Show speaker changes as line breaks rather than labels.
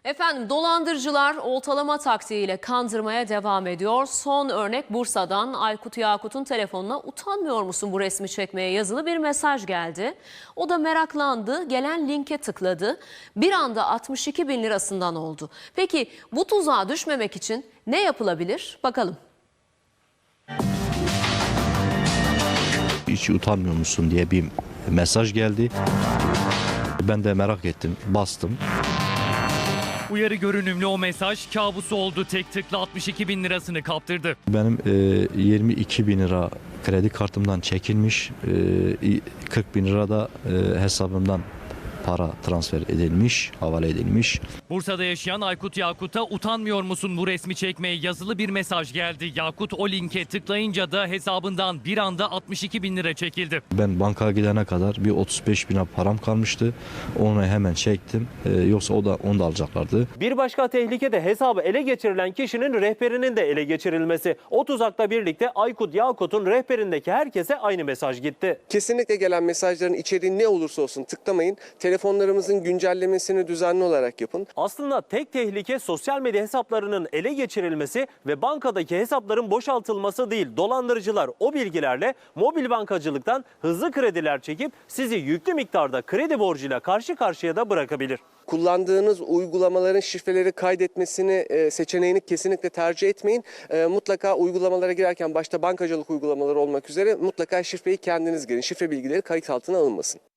Efendim dolandırıcılar oltalama taktiğiyle kandırmaya devam ediyor. Son örnek Bursa'dan Aykut Yakut'un telefonuna "Utanmıyor musun bu resmi çekmeye?" yazılı bir mesaj geldi. O da meraklandı, gelen linke tıkladı. Bir anda 62 bin lirasından oldu. Peki bu tuzağa düşmemek için ne yapılabilir? Bakalım.
Hiç utanmıyor musun diye bir mesaj geldi. Ben de merak ettim, bastım.
Uyarı görünümlü o mesaj kabusu oldu. Tek tıkla 62 bin lirasını kaptırdı.
Benim 22 bin lira kredi kartımdan çekilmiş, 40 bin lira da hesabımdan para transfer edilmiş, havale edilmiş.
Bursa'da yaşayan Aykut Yakut'a "Utanmıyor musun bu resmi çekmeye?" yazılı bir mesaj geldi. Yakut o linke tıklayınca da hesabından bir anda 62 bin lira çekildi.
Ben bankaya gidene kadar bir 35 bin lira param kalmıştı. Onu hemen çektim. Yoksa onu da alacaklardı.
Bir başka tehlike de hesabı ele geçirilen kişinin rehberinin de ele geçirilmesi. O tuzakla birlikte Aykut Yakut'un rehberindeki herkese aynı mesaj gitti.
Kesinlikle gelen mesajların içeriği ne olursa olsun tıklamayın. Telefonlarımızın güncellemesini düzenli olarak yapın.
Aslında tek tehlike sosyal medya hesaplarının ele geçirilmesi ve bankadaki hesapların boşaltılması değil. Dolandırıcılar o bilgilerle mobil bankacılıktan hızlı krediler çekip sizi yüklü miktarda kredi borcuyla karşı karşıya da bırakabilir.
Kullandığınız uygulamaların şifreleri kaydetmesini seçeneğini kesinlikle tercih etmeyin. Mutlaka uygulamalara girerken başta bankacılık uygulamaları olmak üzere mutlaka şifreyi kendiniz girin. Şifre bilgileri kayıt altına alınmasın.